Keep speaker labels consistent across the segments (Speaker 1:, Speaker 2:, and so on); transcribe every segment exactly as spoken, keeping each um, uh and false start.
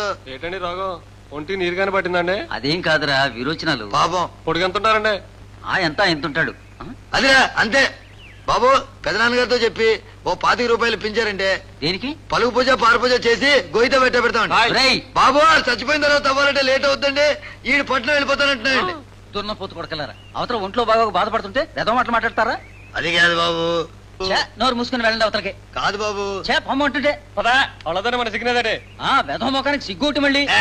Speaker 1: ఏంటండి రోగం? ఒంటి నీరుగానే పట్టిందండి?
Speaker 2: అదేం కాదురా, విరోచనాలు.
Speaker 3: పాపం
Speaker 1: పొడిగి ఎంత ఉంటారండి?
Speaker 2: ఆ ఎంత ఎంత ఉంటాడు?
Speaker 3: అదిరా అంతే బాబు. పెదనాన్నగారితో చెప్పి ఓ పాతిక రూపాయలు ఇప్పించారంటే
Speaker 2: దేనికి?
Speaker 3: పలుగు పూజ పారు పూజ చేసి గొయ్యితో పెట్టే పెడతామండి.
Speaker 2: రేయ్,
Speaker 3: బాబు చచ్చిపోయిన తర్వాత అవ్వాలంటే లేట్ అవుతుందండి. ఈ పట్నం వెళ్ళిపోతానంటున్నాయండి.
Speaker 2: దున్నపోతు కొడకలారా, అవతల ఒంట్లో బాగా బాధపడుతుంటే ఏదో మాటలు మాట్లాడతారా?
Speaker 3: అది కాదు బాబు.
Speaker 2: ఛే, నోరు మూసుకుని వెళ్ళండి అవతలకి.
Speaker 3: కాదు బాబు.
Speaker 2: చే పొమ్మ ఉంటుంటే
Speaker 1: పదా అவ்வளவுதானே మన సిగ్నేదండి.
Speaker 2: ఆ వెధవ మొఖానికి సిగ్గుటి మళ్ళీ.
Speaker 3: ఏ,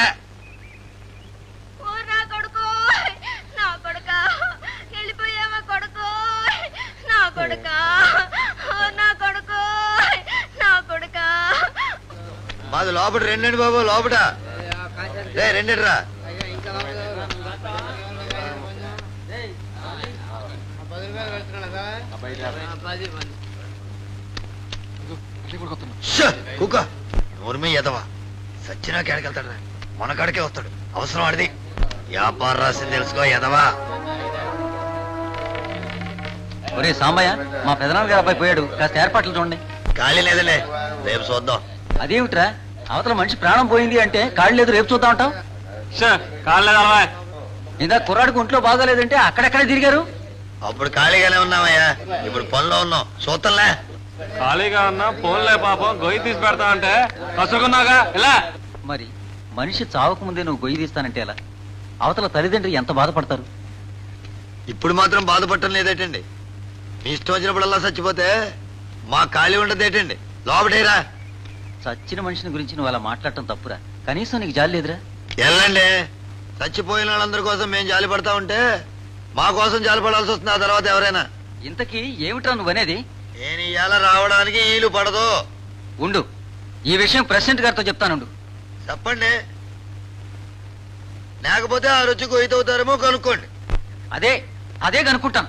Speaker 4: ఓ నా కొడుకు, నా కొడుకా, వెళ్ళిపోయావా కొడుకు, నా కొడుకా, ఓ నా కొడుకు, నా కొడుకా.
Speaker 3: మాది లోపల రెండండి బాబు. లోపట రే రెండండి రా. కుక్క నోర్మే ఎదవా. సచ్చినా కేడకెళ్తాడు, మన కాడికే వస్తాడు. అవసరం ఆడిది. వ్యాపారం రాసింది తెలుసుకో ఎదవా.
Speaker 2: ఒరే సాంబయ్య, మా పెదనాన్న గారు అబ్బాయి పోయాడు, కాస్త ఏర్పాట్లు చూడండి.
Speaker 3: ఖాళీ లేదలే, రేపు చూద్దాం.
Speaker 2: అదేమిట్రా, అవతల మనిషి ప్రాణం పోయింది అంటే కాళ్ళు లేదు, రేపు చూద్దాం అంటావు?
Speaker 1: కాలేదా?
Speaker 2: ఇందా కుర్రాడికి ఒంట్లో బాగోలేదంటే అక్కడెక్కడే తిరిగారు.
Speaker 3: అప్పుడు ఖాళీగానే ఉన్నామయ్యా, ఇప్పుడు పనిలో ఉన్నాం. చూద్దాంలే.
Speaker 1: ఖాళీగా ఉన్నా ఫోన్లే పాపం గొయ్యి తీసి పెడతా అంటే కసుకున్నాగా ఇలా.
Speaker 2: మరి మనిషి చావక ముందే నువ్వు గొయ్యి తీస్తానంటే ఎలా? అవతల తల్లిదండ్రులు ఎంత బాధపడతారు?
Speaker 3: ఇప్పుడు మాత్రం బాధపడటం లేదేటండి. మీ ఇష్టం వచ్చినప్పుడల్లా చచ్చిపోతే మా ఖాళీ ఉండదేటండి. లోపటేరా.
Speaker 2: చచ్చిన మనిషిని గురించి నువ్వు అలా మాట్లాడటం తప్పురా. కనీసం నీకు జాలి లేదురా?
Speaker 3: వెళ్ళండి. చచ్చిపోయిన వాళ్ళందరి కోసం మేము జాలి పడతా ఉంటే మా కోసం జాలి పడాల్సి వస్తుంది ఆ తర్వాత ఎవరైనా.
Speaker 2: ఇంతకీ ఏమిట్రా నువ్వనేది?
Speaker 3: నేను ఇవాళ రావడానికి వీలు పడదు.
Speaker 2: ఉండు, ఈ విషయం ప్రెసిడెంట్ గారితో చెప్తానుండు.
Speaker 3: చెప్పండి, లేకపోతే ఆ రుచి కొయ్యవుతారేమో కనుక్కోండి.
Speaker 2: అదే అదే కనుక్కుంటాను.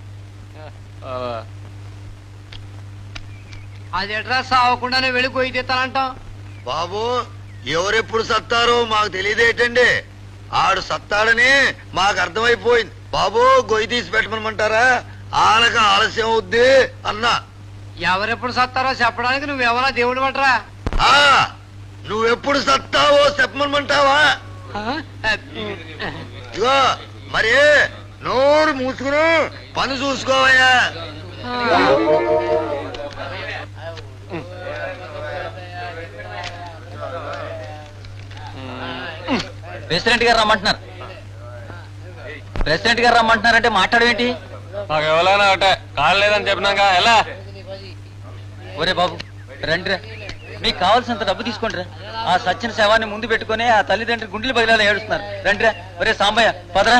Speaker 5: అదేట్రా సావకుండానే వెళ్ళి గొయ్యి తీస్తానంటాం?
Speaker 3: బాబు ఎవరెప్పుడు సత్తారో మాకు తెలియదేటండి. ఆడు సత్తాడని మాకు అర్థమైపోయింది. బాబు గొయ్యి తీసి పెట్టమనమంటారా? ఆనక ఆలస్యం అవుద్ది అన్నా.
Speaker 5: ఎవరెప్పుడు సత్తారో చెప్పడానికి నువ్వెవరా దేవుడు పట్రా?
Speaker 3: ఆ నువ్వెప్పుడు సత్తావో చెప్పమనమంటావా? ఇగో మరి నోరు మూసుకుని పని చూసుకోవయ్యా.
Speaker 2: ప్రెసిడెంట్ గారు రమ్మంటున్నారు. ప్రెసిడెంట్ గారు రమ్మంటున్నారంటే మాట్లాడమేంటి?
Speaker 1: నాకు ఎవరైనా ఒకటే కాళ్ళు లేదని చెప్పినాక ఎలా?
Speaker 2: ఒరే బాబు రండిరా, మీకు కావాల్సినంత డబ్బు తీసుకోండిరా. ఆ సచ్చిన శవాన్ని ముందు పెట్టుకుని ఆ తల్లిదండ్రులు గుండెలు బదిలాలు ఏడుస్తున్నారు. రండిరా. ఒరే సాంబయ్య పదరా.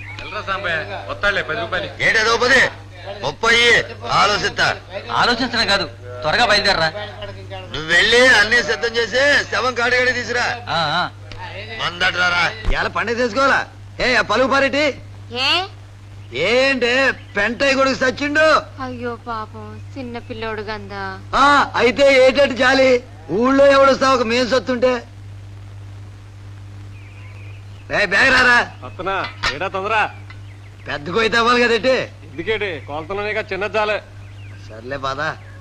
Speaker 3: ఏటేదో పది ముప్పై ఆలోచిస్తా.
Speaker 2: ఆలోచించడం కాదు, త్వరగా బయలుదేరరా.
Speaker 3: నువ్వు వెళ్ళి అన్ని సిద్ధం చేసి శవం కాడిగాడి తీసురా.
Speaker 2: ఆ, ఆ.
Speaker 3: మందట్రారా. ఇలా పండుగ చేసుకోవాలా? ఏ పలుగు పారేటి
Speaker 4: ఏ
Speaker 3: ఏంటే పెంటయ్య కొడుకు సచ్చిండు.
Speaker 4: అయ్యో పాపం, చిన్న పిల్లోడు గందా.
Speaker 3: ఆ అయితే ఏటట్టు జాలి. ఊళ్ళో ఎవడొస్తావు ఒక మేం సత్తుంటే. బ్యాగ్ రారా.
Speaker 1: వస్తున్నా. ఏడా తొందర?
Speaker 3: పెద్ద కొయ్యి అవ్వాలి కదేటి.
Speaker 1: ఎందుకేటి కొలతలోనే చిన్న చాలే.
Speaker 3: సర్లే బాధ.